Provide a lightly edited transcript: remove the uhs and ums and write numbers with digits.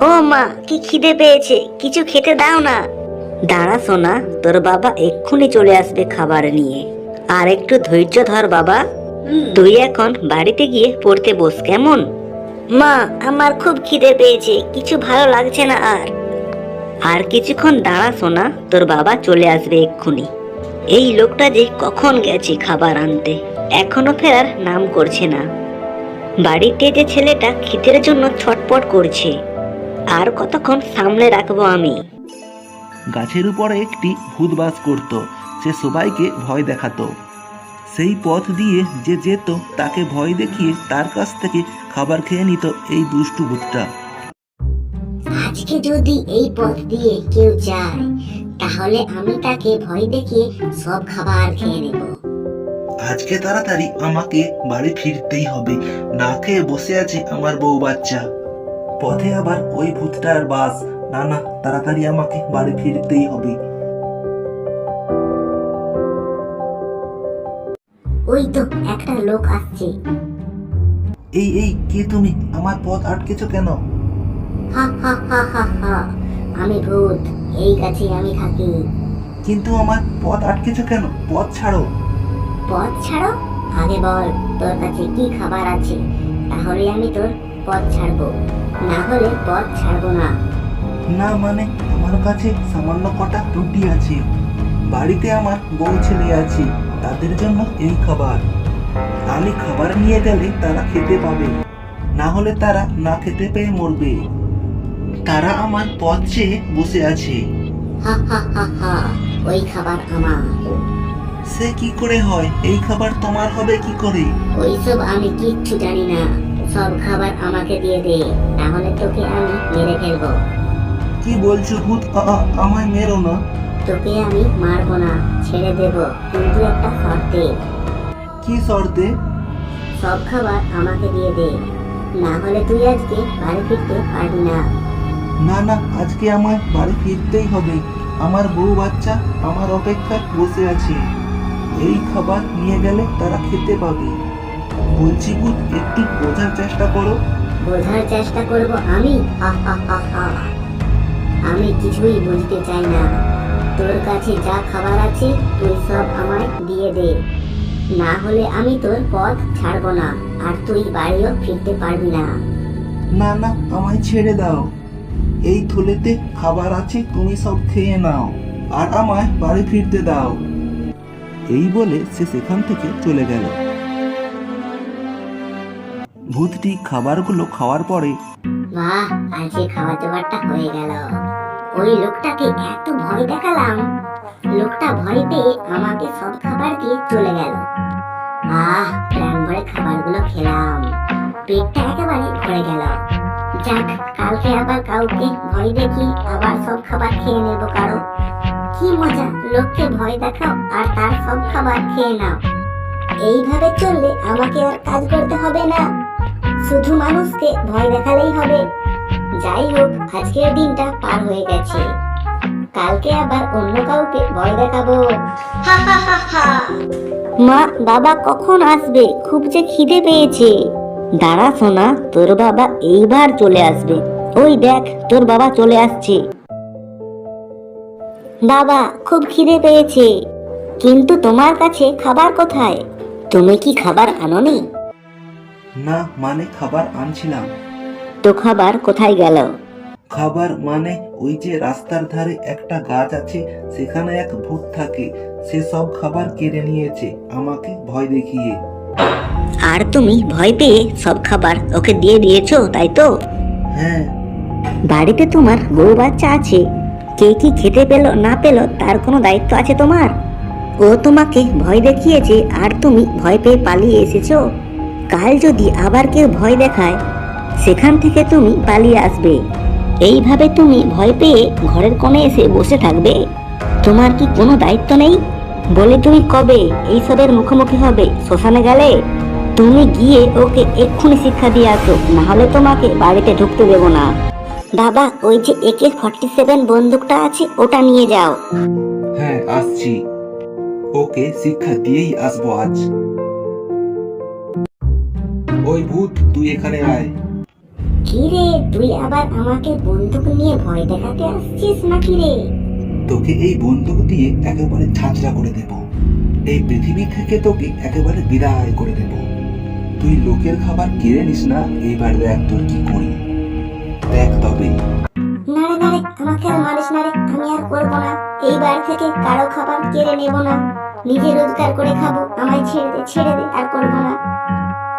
ও মা, কি খিদে পেয়েছে, কিছু খেতে দাও না। দাঁড়া সোনা, তোর বাবা এক্ষুনি চলে আসবে খাবার নিয়ে। আর একটু ধৈর্য ধর বাবা। তুই এখন বাড়িতে গিয়ে পড়তে বস, কেমন? মা, আমার খুব খিদে পেয়েছে, কিছু ভালো লাগছে না। আর কিছুক্ষণ দাঁড়া সোনা, তোর বাবা চলে আসবে এক্ষুনি। এই লোকটা যে কখন গেছে খাবার আনতে, এখনো ফেরার নাম করছে না। বাড়িতে যে ছেলেটা খিদের জন্য ছটপট করছে, আর কতক্ষণ সামলে রাখবো আমি। গাছের উপরে একটি ভূত বাস করত। সে সবাইকে ভয় দেখাতো। সেই পথ দিয়ে যে যেত তাকে ভয় দেখিয়ে তার কাছ থেকে খাবার খেয়ে নিত এই দুষ্টু ভূতটা। আজকে যদি এই পথ দিয়ে কেউ যায়, তাহলে আমি তাকে ভয় দেখিয়ে সব খাবার খেয়ে নেব। আজকে তাড়াতাড়ি আমাকে বাড়ি ফিরতেই হবে, না খেয়ে বসে আছে আমার বউ বাচ্চা। পথে আবার ওই ভূতটার বাস। না না, তাড়াতাড়ি আমাকে বাড়ি ফিরতেই হবে। ওই তো একটা লোক আসছে। এই এই কে তুমি? আমার পথ আটকেছো কেন? হা হা হা হা হা, আমি ভূত, এই গাছে আমি থাকি। কিন্তু আমার পথ আটকেছো কেন? পথ ছাড়ো। পথ ছাড়ো? আগে বল তোর কাছে কি খাবার আছে, তাহলে আমি তোর পথ ছাড়বো, না হলে পথ ছাড়বো না। না মানে, আমার কাছে সামান্য কটা রুটি আছে। বাড়িতে আমার বউ ছেলে আছে, তাদের জন্য এই খাবার। আমি খাবার নিয়ে গেলে তারা খেতে পাবে, না হলে তারা না খেতে পেয়ে মরবে। তারা আমার পথ চেয়ে বসে আছে। হা হা হা হা, ওই খাবার আমার। সে কি করে হয়? এই খাবার তোমার হবে কি করে? ওইসব আমি কিচ্ছু জানি না, সব খাবার আমাকে দিয়ে দে, তাহলে তোকে আমি মেরে ফেলবো। কি বলছো ভূত? আমায় মেরো না। তোকে আমি মারবো না, ছেড়ে দেব, কিন্তু একটা শর্তে। কি শর্তে? সব খাবার আমাকে দিয়ে দে, না হলে তুই আজকে বাড়ি ফিরতে পারবি না। না না, আজকে আমায় বাড়ি ফিরতেই হবে। আমার বউ বাচ্চা আমার অপেক্ষায় বসে আছে। এই খাবার নিয়ে গেলে তারা খেতে পাবে। বলছি ভূত, একটু বোঝার চেষ্টা করো। বোঝার চেষ্টা করব আমি? হা হা হা হা, আমি কিছুই বুঝতে চাই না। তোর কাছে যা খাবার আছে তুই সব আমায় দিয়ে দে, না হলে আমি তোর পথ ছাড়বো না, আর তুই বাড়িও ফিরতে পারবি না। না না, আমায় ছেড়ে দাও। এই থলেতে খাবার আছে, তুমি সব খেয়ে নাও, আর আমায় বাড়ি ফিরতে দাও। এই বলে সে সেখান থেকে চলে গেল। ভূতটি খাবারগুলো খাওয়ার পরে বাহ, আজকে খাওয়া দাওয়াটা হয়ে গেল। ওই লোকটাকে এত ভয় দেখালাম, লোকটা ভয় পেয়ে আমাকে সব খাবার দিয়ে চলে গেল। প্রাণ ভরে খাবারগুলো খেলাম, পেটটা একেবারে ভরে গেল। যাক, কালকে আবার কাউকে ভয় দেখি আবার সব খাবার খেয়ে নেবো কারো। কি মজা, লোককে ভয় দেখাও আর তার সব খাবার খেয়ে নাও। এইভাবে চললে আমাকে আর কাজ করতে হবে না, শুধু মানুষকে ভয় দেখালেই হবে। যাই হোক, আজকের দিনটা পার হয়ে গেছে, কালকে আবার অন্য কাউকে ভয় দেখাবো। হা হা হা হা। মা, বাবা কখন আসবে? খুব যে খিদে পেয়েছে। দাঁড়া সোনা, তোর বাবা এইবার চলে আসবে। ওই দেখ, তোর বাবা চলে আসছে। বাবা, খুব খিদে পেয়েছে, কিন্তু তোমার কাছে খাবার কোথায়? তুমি কি খাবার আনোনি? না মানে, খাবার আনছিলাম। তো খাবার কোথায় গেল? খাবার মানে, ওই যে রাস্তার ধারে একটা গাছ আছে, সেখানে এক ভূত থাকে। সে সব খাবার কেড়ে নিয়েছে আমাকে ভয় দেখিয়ে। আর তুমি ভয় পেয়ে সব খাবার ওকে দিয়ে দিয়েছো, তাই তো? হ্যাঁ। বাড়িতে তোমার বউ বাচ্চা আছে, কে কি খেতে পেলো না পেলো তার কোনো দায়িত্ব আছে তোমার? ও তোমাকে ভয় দেখিয়েছে আর তুমি ভয় পেয়ে পালিয়ে এসেছো। কাল যদি আবার কেউ ভয় দেখায়, সেখান থেকে তুমি পালিয়ে আসবে। এইভাবে তুমি ভয় পেয়ে ঘরের কোণে এসে বসে থাকবে? তোমার কি কোনো দায়িত্ব নেই? বলে তুমি কবে এইসবের মুখোমুখি হবে? শ্মশানে গেলে? তুমি গিয়ে ওকে এক্ষুনি শিক্ষা দিয়ে আসো, না হলে তোমাকে বাড়িতে ঢুকতে দেবো না। বাবা, ওই যে AK-47 বন্দুকটা আছে, ওটা নিয়ে যাও। হ্যাঁ, আসছি। ওকে শিক্ষা দিয়েই আসবো আজ। ওই ভূত, তুই এখানে আয়। কি রে, তুই আবার আমাকে বন্দুক নিয়ে ভয় দেখাতে আসছিস নাকি রে? তোকে এই বন্দুক দিয়ে একেবারে ছাঁচড়া করে দেব, এই পৃথিবী থেকে তোকে একেবারে বিদায় করে দেব। তুই লোকের খাবার কেড়ে নিস না, এইবার দেখ তোর কি করি, দেখ তবে। না রে না রে, আমাকে আর মারিস না রে, আমি আর করবো না। এই বাড়ি থেকে কারো খাবার কেড়ে নেব না, নিজে রোজগার করে খাবো। আমায় ছেড়ে দে, ছেড়ে দে, আর করবো না।